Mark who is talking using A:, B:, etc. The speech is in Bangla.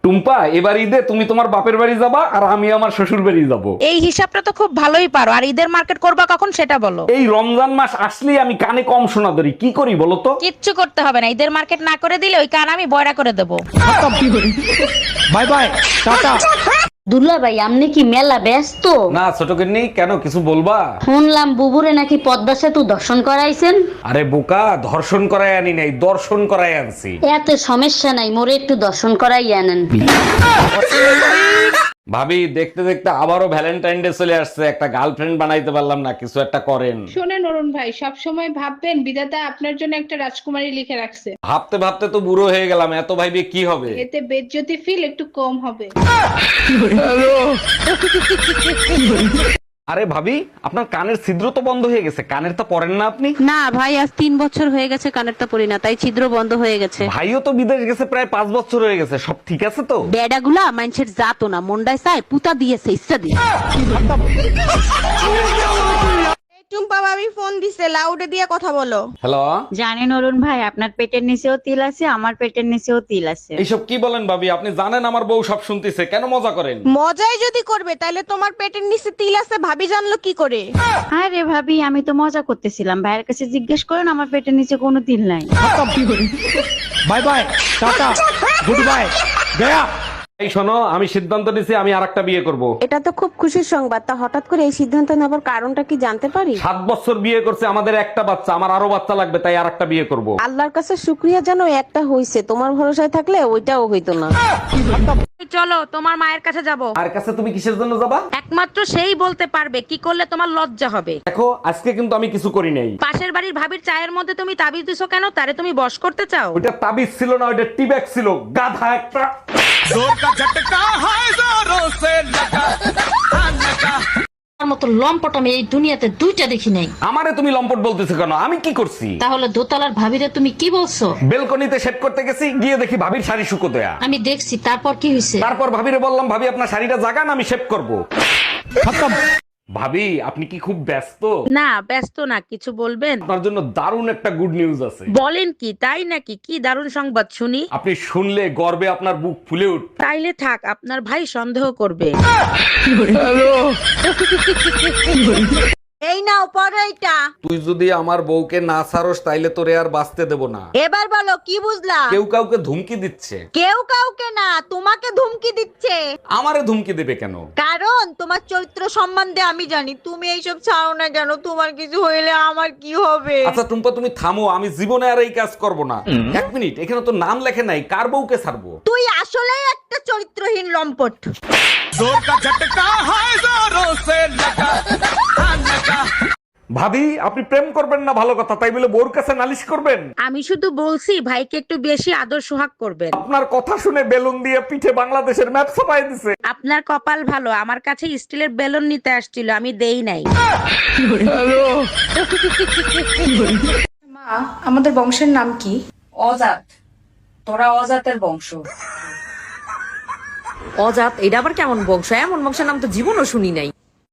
A: টুম্পা, এবার ঈদে তুমি তোমার বাপের বাড়ি যাবা আর আমি আমার শ্বশুর বাড়ি যাব।
B: এই হিসাবটা তো খুব ভালোই পারো। আর ঈদের মার্কেট করবা কখন সেটা বলো।
A: এই রমজান মাস আসলেই আমি কানে কম শোনা ধরি, কি করি বলো তো?
B: কিচ্ছু করতে হবে না, ঈদের মার্কেট না করে দিলে ওই কান আমি বয়রা করে দেবো।
A: বাই বাই, টাটা।
C: দুলা ভাই আপনি কি মেলা ব্যস্ত?
A: না ছোট নেই, কেন কিছু বলবা?
C: শুনলাম বুবুরে নাকি পদ্মা সেতু দর্শন করাইছেন।
A: আরে বোকা, ধর্ষণ করাই আনি নাই, দর্শন করাই আনছি।
C: এত সমস্যা নাই, মোরে একটু দর্শন করাই আনেন।
A: ভাবি, দেখতে দেখতে আবারও ভ্যালেন্টাইন ডে চলে আসছে, একটা গার্লফ্রেন্ড বানাইতে পারলাম না, কিছু একটা করেন।
D: শোনেন অরুণ ভাই, সব সময় ভাববেন বিধাতা আপনার জন্য একটা রাজকুমারী লিখে রাখছে।
A: ভাবতে ভাবতে তো বুড়ো হয়ে গেলাম, এত ভাইবে কি হবে?
D: এতে বেজ্জতি ফিল একটু কম হবে।
A: আরে ভাবি, আপনার কানের ছিদ্র তো বন্ধ হয়ে গেছে, কানের তো পরেন না আপনি?
E: না ভাই, আজ 3 বছর হয়ে গেছে কানেরটা পরি না, তাই ছিদ্র বন্ধ হয়ে গেছে।
A: ভাইও তো বিদেশ গেছে, প্রায় 5 বছর হয়ে গেছে, সব ঠিক আছে তো?
E: বেডাগুলা মানুষের জাতো না, মন্ডায় চায় পুতা দিয়েছে ইচ্ছা দিয়ে।
F: টুম্পা ভাবি ফোন দিছে, লাউডে দিয়ে কথা বলো।
A: হ্যালো,
G: জানেন অরুণ ভাই, আপনার পেটের নিচেও তিল আছে, আমার পেটের নিচেও তিল আছে।
A: এইসব কি বলেন ভাবি? আপনি জানেন আমার বউ সব শুনতেছে, কেন মজা করেন?
F: মজাই যদি করবে তাহলে তোমার পেটের নিচে তিল আছে ভাবি জানলো কি করে?
G: হ্যাঁ রে ভাবি, আমি তো মজা করতেছিলাম, ভাইয়ের কাছে জিজ্ঞেস করেন, আমার পেটের নিচে কোনো তিল নাই।
A: বাই বাই, টাটা, গুড বাই, গয়া। এই শোনো, আমি সিদ্ধান্ত নিয়েছি আমি আরেকটা বিয়ে করব।
E: এটা তো খুব খুশির সংবাদ, তা হঠাৎ করে এই সিদ্ধান্ত নেবার কারণটা কি জানতে পারি?
A: 7 বছর বিয়ে করছে, আমাদের একটা বাচ্চা, আমার আরো বাচ্চা লাগবে, তাই আরেকটা বিয়ে করব।
E: আল্লাহর কাছে শুক্রিয়া জানো একটা হইছে, তোমার ভরসায় থাকলে ওইটাও হইতো না।
B: চলো তোমার মায়ের কাছে যাব।
A: আর কাছে তুমি কিসের জন্য যাবা?
B: একমাত্র সেই বলতে পারবে কি করলে তোমার লজ্জা হবে।
A: দেখো, আজকে কিন্তু আমি কিছু করি নাই।
B: পাশের বাড়ির ভাবির চায়ের মধ্যে তুমি তাবিজ দিছো কেন? তারে তুমি বশ করতে চাও?
A: ওইটা তাবিজ ছিল না, ওইটা টিব্যাগ ছিল, গাধা একটা।
C: আমার মতো লম্পট আমি এই দুনিয়াতে দুইটা দেখি নাই।
A: আমারে তুমি লম্পট বলতেছো কেন? আমি কি করছি?
C: তাহলে দোতলার ভাবিরে তুমি কি বলছো?
A: বেলকনিতে সেট করতে গেছি, গিয়ে দেখি ভাবির শাড়ি শুকো দেয়া।
C: আমি দেখছি, তারপর কি হয়েছে?
A: তারপর ভাবিরে বললাম, ভাবি আপনার শাড়িটা জাগান, আমি শেভ করব। ভাবি, আপনি কি খুব ব্যস্ত?
B: না ব্যস্ত না, কিছু বলবেন?
A: আপনার জন্য দারুণ একটা গুড নিউজ আছে।
B: বলেন কি, তাই নাকি? কি দারুণ সংবাদ শুনি।
A: আপনি শুনলে গর্বে আপনার বুক ফুলে উঠ।
B: তাইলে থাক, আপনার ভাই সন্দেহ করবে।
F: এই নাও পড়ো এইটা।
A: তুই যদি আমার বউকে না ছাড়স তাইলে তোরে আর বাঁচতে দেব না।
F: এবার বলো কি বুঝলা?
A: কেউ কাউকে ধুমকি দিচ্ছে।
F: কেউ কাউকে না, তোমাকে ধুমকি দিচ্ছে।
A: আমারে ধুমকি দেবে কেন?
F: কারণ তোমার চরিত্র সম্বন্ধে আমি জানি। তুমি এইসব ছাড়ো না কেন? তোমার কিছু হইলে আমার কি হবে?
A: আচ্ছা টুম্পা, তুমি থামো, আমি জীবনে আর এই কাজ করব না। 1 মিনিট, এখানে তো নাম লেখে নাই, কার বউকে ছাড়বো?
F: তুই আসলেই একটা চরিত্রহীন লম্পট।
A: ভাবি, আপনি প্রেম করবেন না ভালো কথা, তাই বলে বউর কাছে নালিশ করবেন?
B: আমি শুধু বলছি ভাইকে একটু বেশি আদর সোহাগ করবেন।
A: আপনার কথা শুনে বেলুন দিয়ে পিঠে বাংলাদেশের ম্যাপ ছাপাই দিছে।
B: আপনার কপাল ভালো, আমার কাছে স্টিলের বেলুন নিতে আসছিল, আমি দেই নাই।
D: মা, আমাদের বংশের নাম কি?
H: অজাত। তোরা অজাতের বংশ।
I: অজাত? এটা আবার কেমন বংশ? এমন বংশের নাম তো জীবনও শুনি নাই।